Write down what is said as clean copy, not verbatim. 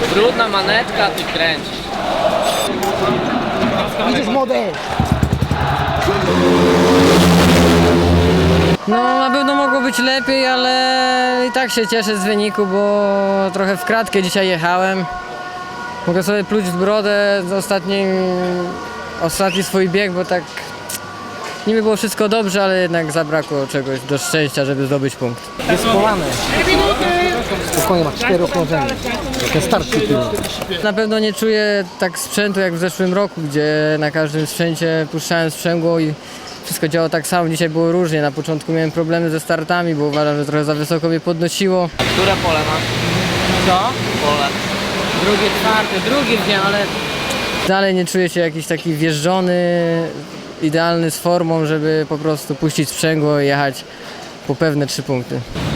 Brudna manetka, ty kręcisz. Idziesz młody! No na pewno mogło być lepiej, ale i tak się cieszę z wyniku, bo trochę w kratkę dzisiaj jechałem. Mogę sobie pluć w brodę za ostatni swój bieg, bo tak niby było wszystko dobrze, ale jednak zabrakło czegoś do szczęścia, żeby zdobyć punkt. Jest połamany. Spokojnie, ma 4 okrążenia. Ten start tytułu. Na pewno nie czuję tak sprzętu jak w zeszłym roku, gdzie na każdym sprzęcie puszczałem sprzęgło i wszystko działało tak samo. Dzisiaj było różnie. Na początku miałem problemy ze startami, bo uważam, że trochę za wysoko mnie podnosiło. Które pole masz? Co? Pole. Drugi wziąłem, ale dalej nie czuję się jakiś taki wjeżdżony, idealny z formą, żeby po prostu puścić sprzęgło i jechać po pewne 3 punkty.